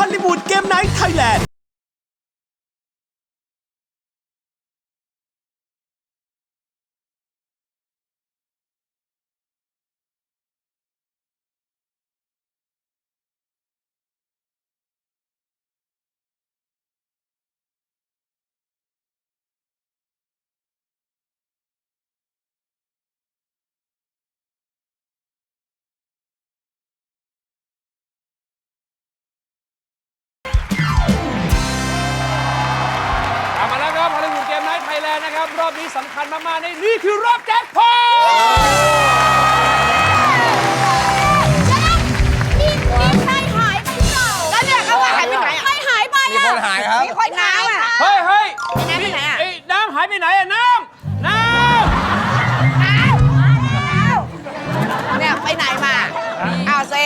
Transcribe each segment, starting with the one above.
ลลีวูดเกมไนท์ไทยแลนด์นะครับรอบนี้สำคัญมากๆในนี่คือรอบแจ็คพอตมีใครหายไปเปล่าก็เนี่ยเขาหายไปไหนใครหายไปอ่ะมีคนหายครับมีคนหายอ่ะเฮ้ยน้ำไปไหนอ่ะน้ำหายไปไหนอ่ะน้ำเนี่ยไปไหนมาเอาเซ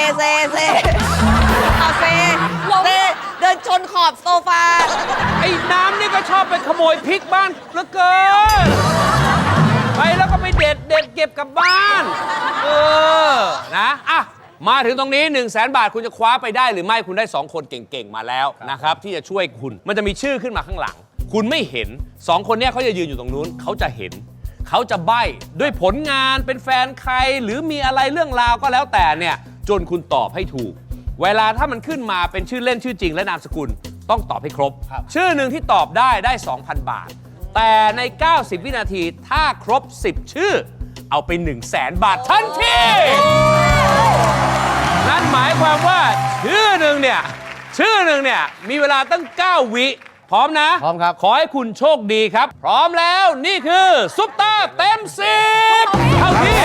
เดินชนขอบโซฟาไอ้น้ำนี่ก็ชอบไปขโมยพริกบ้านเหลือเกินไปแล้วก็ไปเด็ดเก็บกลับบ้านนะอ่ะมาถึงตรงนี้100,000 บาทคุณจะคว้าไปได้หรือไม่คุณได้2คนเก่งๆมาแล้วนะครับที่จะช่วยคุณมันจะมีชื่อขึ้นมาข้างหลังคุณไม่เห็น2คนเนี้ยเขาจะยืนอยู่ตรงนู้นเขาจะเห็นเขาจะใบ้ด้วยผลงานเป็นแฟนใครหรือมีอะไรเรื่องราวก็แล้วแต่เนี่ยจนคุณตอบให้ถูกเวลาถ้ามันขึ้นมาเป็นชื่อเล่นชื่อจริงและนามสกุลต้องตอบให้ครบชื่อหนึ่งที่ตอบได้ 2,000 บาทแต่ใน90 วินาทีถ้าครบ10ชื่อเอาไป100,000 บาททันทีนั่นหมายความว่าชื่อหนึ่งเนี่ยมีเวลาตั้ง9 วิพร้อมนะพร้อมครับขอให้คุณโชคดีครับพร้อมแล้วนี่คือซุปตาเต็ม10เข้าที่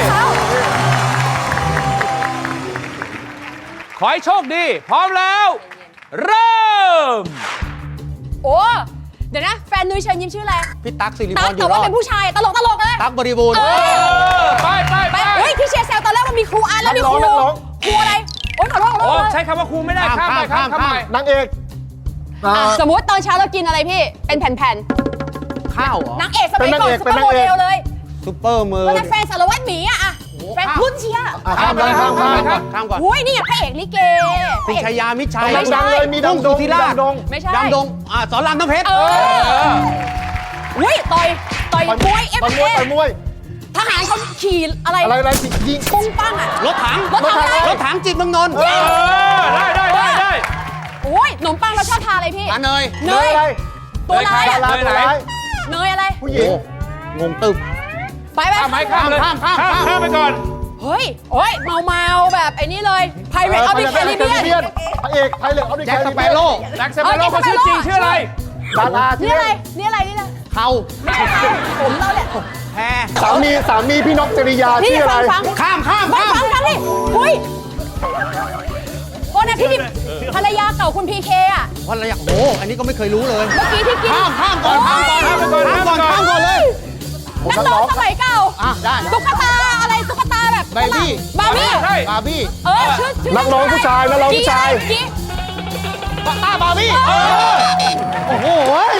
ขอให้โชคดีพร้อมแล้วเริ่มโอ้เดี๋ยวนะแฟนนุ้ยเชิญยิ้มชื่ออะไรพี่ตั๊กสิริพรอยู่รอดแต่ว่าเป็นผู้ชายตลกเลยตั๊กบริบูรณ์ไปเฮ้ยที่เชียร์แซวตอนแรกมันมีครูอาร์แล้วมีครูอะไรโอ๊ยขอโทษใช้คำว่าครูไม่ได้ข้ามไปนางเอกสมมติตอนเช้าเรากินอะไรพี่เป็นแผ่นๆข้าวเหรอนางเอกสมัยก่อนซุปเปอร์โมเดลเลยซุปเปอร์มือแฟนสารวัตรหมีอะแฟนรุ่นเชียร์ข้ามก่อนอุ้ยนี่พระเอกลิเกปิชยามิชัยดังเลยมีดำดงไม่ใช่ดำดงสอนรามน้ำเพชรอุ้ยต่อยมวยมวยทหารเขาขี่อะไรยิงปุ้งปั้งอะรถถังจิตเมืองนนท์ได้โอ้ยขนมปังเราชอบทานอะไรพี่เนยตัวลายเนยอะไรผู้หญิงงงตึบไปข้ามไปก่อนเฮ้ยโอ้ยเมาแบบไอ้นี่เลยไพเรตออฟเดอะแคริเบียนพระเอกไพเรตออฟเดอะแคริเบียนแจ็คสเปโร่เขาชื่อจริงชื่ออะไรดารานี่อะไรเขาผมเราแหละแพรสามีพี่นกจริยาชื่ออะไรข้ามฟังดิหุ้ยคนนะที่ภรรยาเก่าคุณพีเคอะภรรยาโอ้อันนี้ก็ไม่เคยรู้เลยเมื่อกี้ที่กินข้ามก่อนเลยนักร้องสมัยเก่าได้ตุ๊กตาอะไรตุ๊กตาแบบบาร์บี้ชื่อนักร้องผู้ชายตาบาร์บี้โอ้โห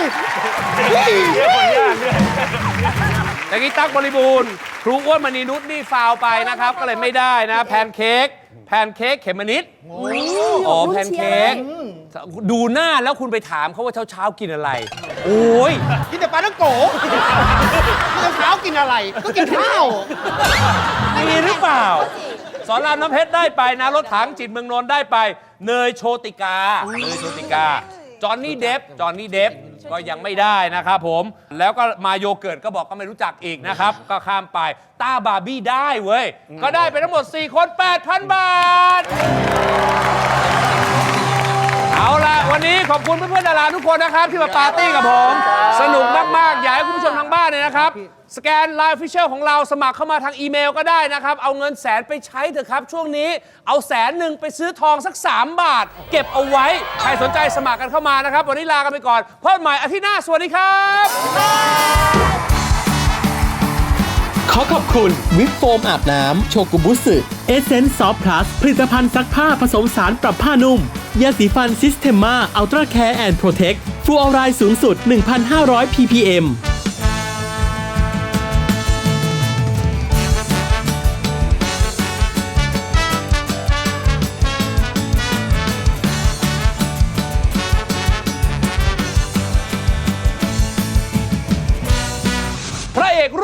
แต่กี้ตั๊กบริบูรณ์ครูอ้วนมณีนุชนี่ฟาวไปนะครับก็เลยไม่ได้นะแพนเค้กเขมนิดแพนเค้กดูหน้าแล้วคุณไปถามเขาว่าเช้ากินอะไรโอ้ยกินแต่ปลาท่องโกเช้ากินอะไรก็กินข้าวมีหรือเปล่าสอนรามน้ำเพชรได้ไปนะรถถังจิตเมืองนนท์ได้ไปเนยโชติกาจอห์นนี่เดฟก็ยังไม่ได้นะครับผมแล้วก็มาโยเกิร์ตก็บอกก็ไม่รู้จักอีกนะครับก็ข้ามไปต้าบาร์บี้ได้เว้ยก็ได้ไปทั้งหมด4 คน 8,000 บาทเอาล่ะวันนี้ขอบคุณเพื่อนๆดาราทุกคนนะครับที่มาปาร์ตี้กับผมสนุกมากๆอยากให้คุณผู้ชมทางบ้านเนี่ยนะครับสแกน Line Official ของเราสมัครเข้ามาทางอีเมลก็ได้นะครับเอาเงิน100,000ไปใช้เถอะครับช่วงนี้เอา100,000ไปซื้อทองสัก3 บาทเก็บเอาไว้ใครสนใจสมัครกันเข้ามานะครับวันนี้ลากันไปก่อนพบกันใหม่อาทิตย์หน้าสวัสดีครับขอขอบคุณวิปโฟมอาบน้ำโชกุบุสึเอเซนส์ซอฟต์พลัสผลิตภัณฑ์ซักผ้าผสมสารปรับผ้านุ่มยาสีฟันซิสเทมมาอัลตร้าแคร์แอนด์โปรเทคฟลูออไรด์สูงสุด 1,500 ppm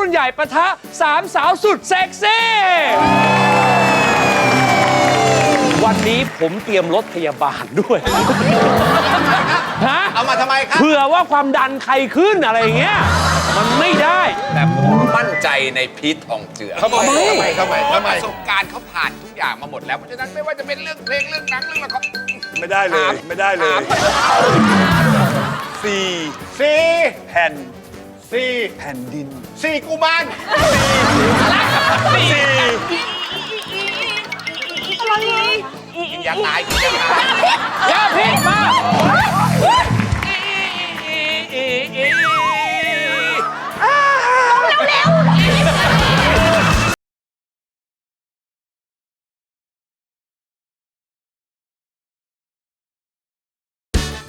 รุ่นใหญ่ปะทะ3 สาวสุดเซ็กซี่ วันนี้ผมเตรียมรถพยาบาลด้วยฮะเอามาทำไมครับเผื่อว่าความดันใครขึ้นอะไรอย่างเงี้ยมันไม่ได้แต่ผมมั่นใจในพีททองเจือทำไมประสบการณ์เขาผ่านทุกอย่างมาหมดแล้ว เพราะฉะนั้นไม่ว่าจะเป็นเรื่องเพลงเรื่องหนังเรื่องละครไม่ได้เลย ไม่ได้เลย 4 แผ่น 4 แผ่นดิน 4กุมารกินยาตายกินยาตาย